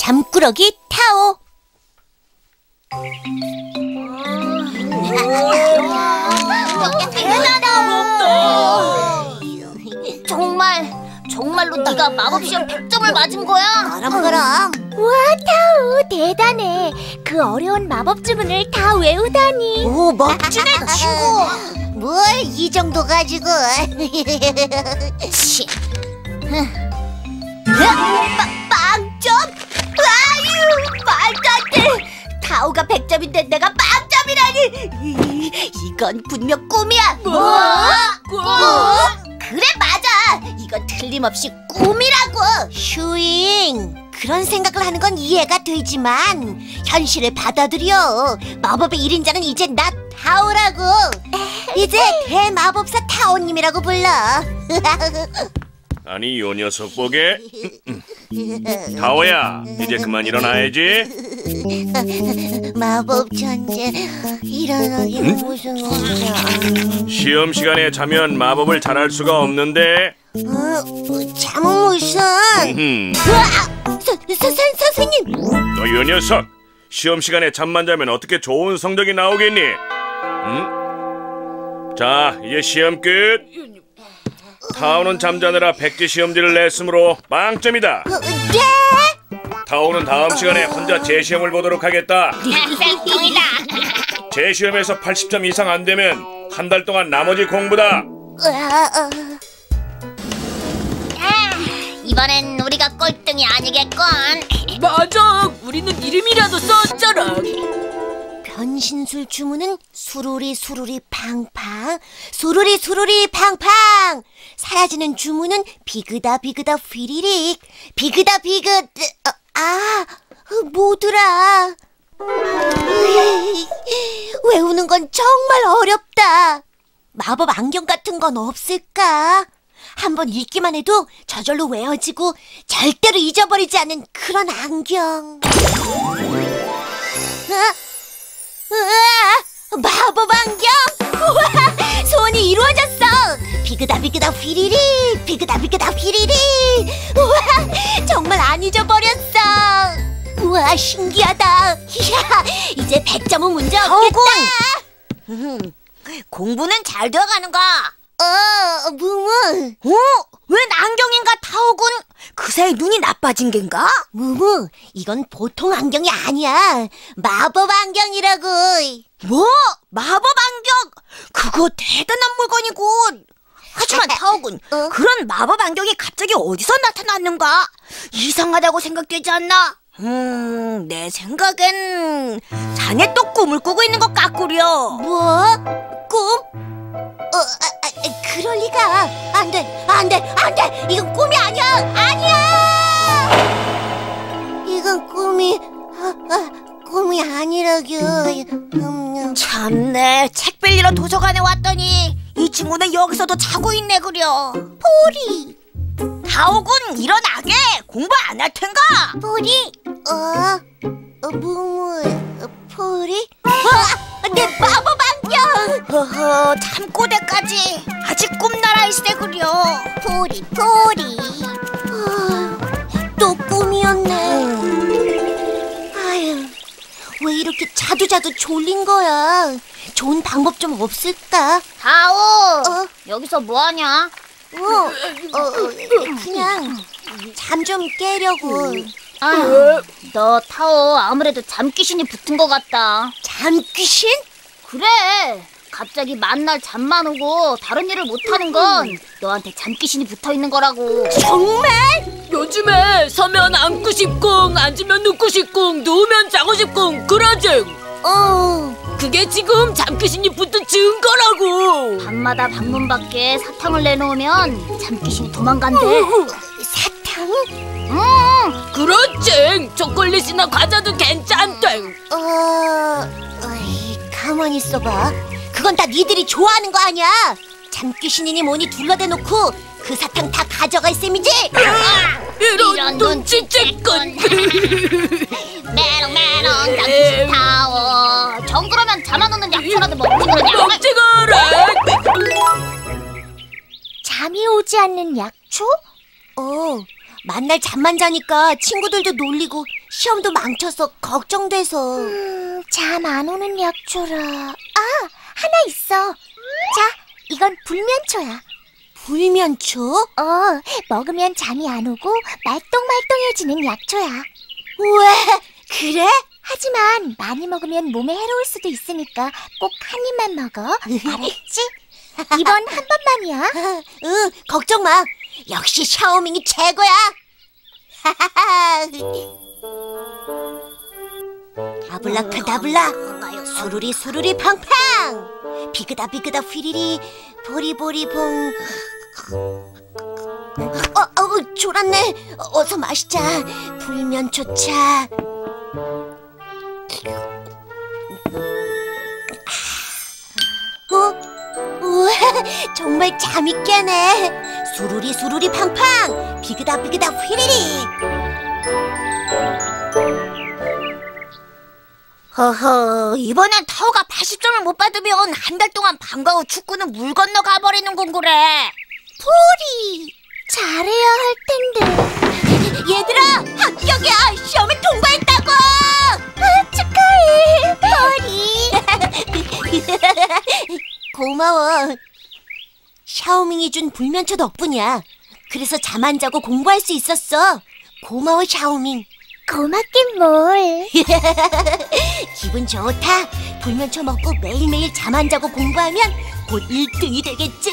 잠꾸러기 타오. 정말로 네가 마법시험 100점을 맞은 거야? 그럼. 우와, 타오 대단해. 그 어려운 마법 주문을 다 외우다니. 오, 멋지네, 친구. 뭘 이 정도 가지고. 치. 빵점? 아유, 말도 안 돼. 타오가 100점인데 내가 빵점이라니. 이건 분명 꿈이야. 뭐? 꿈? 그래, 맞아. 이건 틀림없이 꿈이라고. 슈잉, 그런 생각을 하는 건 이해가 되지만 현실을 받아들여. 마법의 1인자는 이제 나 타오라고. 이제 대마법사 타오님이라고 불러. 아니, 요 녀석 보게. 타오야, 이제 그만 일어나야지. 마법 천재, 일어나긴 무슨 일이야. 시험 시간에 자면 마법을 잘할 수가 없는데. 잠은 무슨? 선생님. 너 요 녀석, 시험 시간에 잠만 자면 어떻게 좋은 성적이 나오겠니? 응? 자, 이제 시험 끝. 타오는 잠자느라 백지 시험지를 냈으므로 빵점이다. 네? 타오는 다음 시간에 혼자 재시험을 보도록 하겠다. 땡땡이다. 재시험에서 80점 이상 안 되면 한 달 동안 나머지 공부다. 이번엔 우리가 꼴등이 아니겠건. 맞아, 우리는 이름이라도 썼잖아. 변신술 주문은 수루리 수루리 팡팡, 수루리 수루리 팡팡. 사라지는 주문은 비그다 비그다 휘리릭, 비그다 비그. 뭐더라? 외우는 건 정말 어렵다. 마법 안경 같은 건 없을까? 한번 읽기만 해도 저절로 외워지고 절대로 잊어버리지 않는 그런 안경. 우와, 마법 안경! 우와, 소원이 이루어졌어! 비그다 비그다 휘리리, 비그다 비그다 휘리리. 우와, 정말 안 잊어버렸어. 우와, 신기하다. 이야, 이제 100점은 문제 없겠다. 공부는 잘 되어가는가? 무무. 웬 안경인가, 타오군? 그새 눈이 나빠진 겐가? 무무, 이건 보통 안경이 아니야. 마법 안경이라고. 뭐? 마법 안경? 그거 대단한 물건이군. 하지만 타오군, 그런 마법 안경이 갑자기 어디서 나타났는가? 이상하다고 생각되지 않나? 내 생각엔 자네 또 꿈을 꾸고 있는 것 같구려. 뭐? 꿈? 그럴 리가. 안 돼, 안 돼, 안 돼. 이건 꿈이 아니야. 아니야. 이건 꿈이 아니라고. 참네, 책 빌리러 도서관에 왔더니 이 친구는 여기서도 자고 있네 그려. 포리. 타오군, 일어나게. 공부 안 할 텐가? 포리. 무무. 포리. 내 마법 안경. 허허, 잠꼬대까지. 아직 꿈나라 있으네 그려. 포리. 또 꿈이었네. 아유, 왜 이렇게 자주 졸린 거야? 좋은 방법 좀 없을까? 타오, 여기서 뭐하냐? 그냥 잠 좀 깨려고. 너 타오 아무래도 잠귀신이 붙은 것 같다. 잠귀신? 그래, 갑자기 만날 잠만 오고 다른 일을 못하는 건 너한테 잠귀신이 붙어있는 거라고. 정말? 요즘에 서면 앉고 싶고 앉으면 눕고 싶고 누우면 자고 싶고 그러지. 그게 지금 잠귀신이 붙은 증거라고. 밤마다 방문 밖에 사탕을 내놓으면 잠귀신이 도망간대. 사탕? 그렇지. 초콜릿이나 과자도 괜찮대. 가만히 있어봐. 그건 다 니들이 좋아하는 거 아니야? 잠귀신이니 뭐니 둘러대놓고 그 사탕 다 가져갈 셈이지? 이런 눈치채건. 메롱메롱 잠귀신 타오. 정그러면 잠 안 오는 약초라도 먹지 그러냐? 먹지 그래. 잠이 오지 않는 약초? 만날 잠만 자니까 친구들도 놀리고 시험도 망쳐서 걱정돼서. 잠 안 오는 약초라. 하나 있어. 자, 이건 불면초야. 불면초? 먹으면 잠이 안 오고 말똥말똥해지는 약초야. 우와, 그래? 하지만 많이 먹으면 몸에 해로울 수도 있으니까 꼭 한 입만 먹어. 알았지? 이번 한 번만이야. 응, 걱정 마. 역시 샤오밍이 최고야. 아블라카다블라, 수루리 수루리 팡팡, 비그다 비그다 휘리리, 보리보리 봉. 졸았네. 어서 마시자. 불면초차. 우와, 정말 잠이 깨네. 수루리 수루리 팡팡, 비그다 비그다 휘리리. 허허, 이번엔 타오가 80점을 못 받으면 한 달 동안 방과 후 축구는 물 건너 가버리는 건 그래. 포리, 잘해야 할 텐데. 얘들아, 합격이야. 시험에 통과했다고. 축하해, 포리. 고마워. 샤오밍이 준 불면초 덕분이야. 그래서 잠 안 자고 공부할 수 있었어. 고마워, 샤오밍. 고맙긴 뭘. 기분 좋다. 불면초 먹고 매일매일 잠 안 자고 공부하면 곧 1등이 되겠지?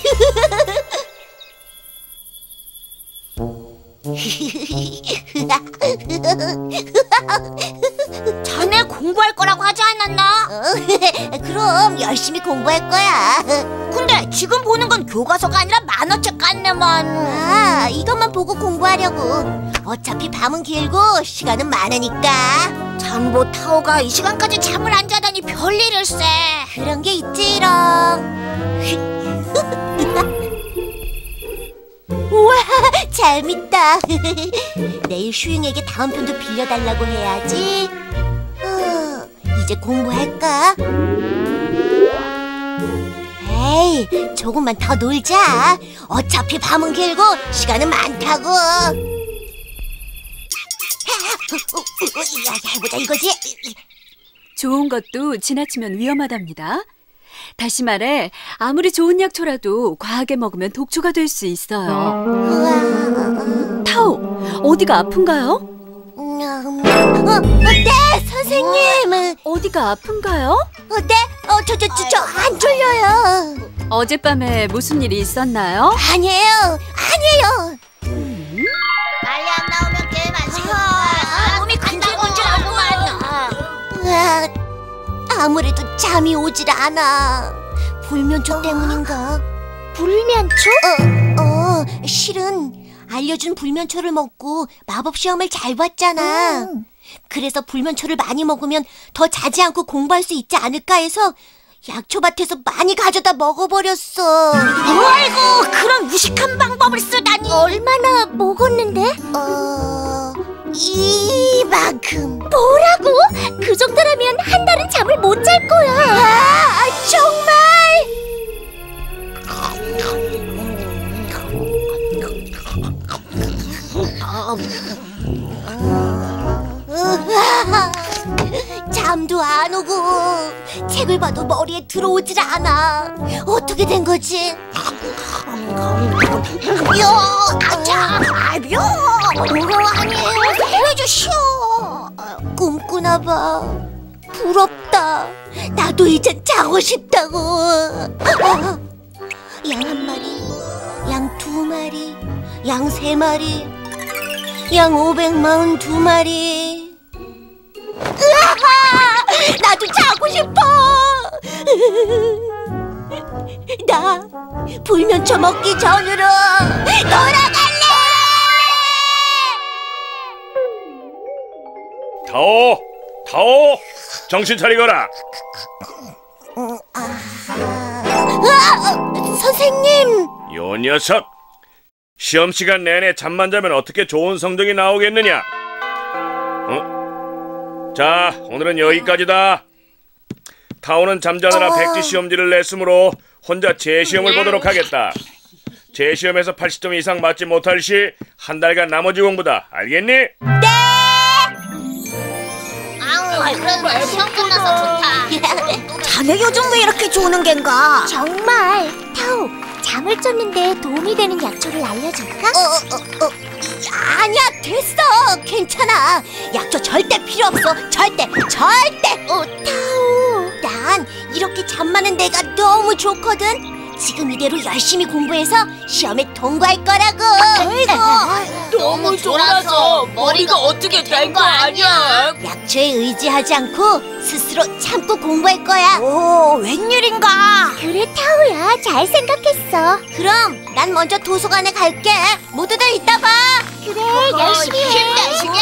자네 공부할 거라고 하지 않았나? 그럼 열심히 공부할 거야. 근데 지금 보는 건 교과서가 아니라 만화책 같네만. 이것만 보고 공부하려고. 어차피 밤은 길고 시간은 많으니까. 장보 타오가 이 시간까지 잠을 안 자다니 별일일세. 그런 게 있지롱. 우와, 재밌다. 내일 슈잉에게 다음 편도 빌려달라고 해야지. 이제 공부할까? 에이, 조금만 더 놀자. 어차피 밤은 길고 시간은 많다고. 해보자 이거지. 좋은 것도 지나치면 위험하답니다. 다시 말해, 아무리 좋은 약초라도 과하게 먹으면 독초가 될 수 있어요. 타오, 어디가 아픈가요? 네, 선생님. 어디가 아픈가요? 네, 저 안 졸려요. 어젯밤에 무슨 일이 있었나요? 아니에요. 빨리 안 나오면 게임 안 시켜. 몸이 간질간질하구만. 아무래도 잠이 오질 않아. 불면초 때문인가? 불면초? 실은 알려준 불면초를 먹고 마법 시험을 잘 봤잖아. 그래서 불면초를 많이 먹으면 더 자지 않고 공부할 수 있지 않을까 해서 약초밭에서 많이 가져다 먹어버렸어. 아이고, 그런 무식한 방법을 쓰다니. 얼마나 먹었는데? 이만큼. 뭐라고? 그 정도라면 한 달은 잠을 못 잘 거야. 정말? 잠도 안 오고 책을 봐도 머리에 들어오질 않아. 어떻게 된 거지? 아니에요. 해주시오. 꿈꾸나 봐. 부럽다. 나도 이제 자고 싶다고. 양 한 마리, 양 두 마리, 양 세 마리, 양 542마리. 나도 자고 싶어. 나 불면초 먹기 전으로 돌아갈래. 타오, 정신 차리거라. 선생님. 요 녀석, 시험 시간 내내 잠만 자면 어떻게 좋은 성적이 나오겠느냐? 자, 오늘은 여기까지다. 타오는 잠자느라 백지 시험지를 냈으므로 혼자 재시험을 보도록 하겠다. 재시험에서 80점 이상 맞지 못할 시 한 달간 나머지 공부다. 알겠니? 네. 그래도 시험 끝나서 좋다. 자네 요즘 왜 이렇게 조는 겐가? 정말. 타오, 잠을 쫓는데 도움이 되는 약초를 알려줄까? 아니야, 됐어. 괜찮아. 약초 절대 필요 없어. 절대. 타오, 난 이렇게 잠 많은 내가 너무 좋거든. 지금 이대로 열심히 공부해서 시험에 통과할 거라고. 너무 졸아서 머리가 어떻게 된 거 아니야? 약초에 의지하지 않고 스스로 참고 공부할 거야. 오, 웬일인가? 그래, 타오야. 잘 생각했어. 그럼 난 먼저 도서관에 갈게. 모두들 이따 봐. 그래, 열심히 해.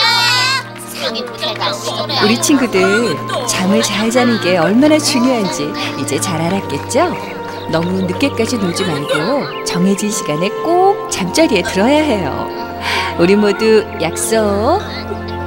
우리 친구들 잠을 잘 자는 게 얼마나 중요한지 이제 잘 알았겠죠? 너무 늦게까지 놀지 말고 정해진 시간에 꼭 잠자리에 들어야 해요. 우리 모두 약속.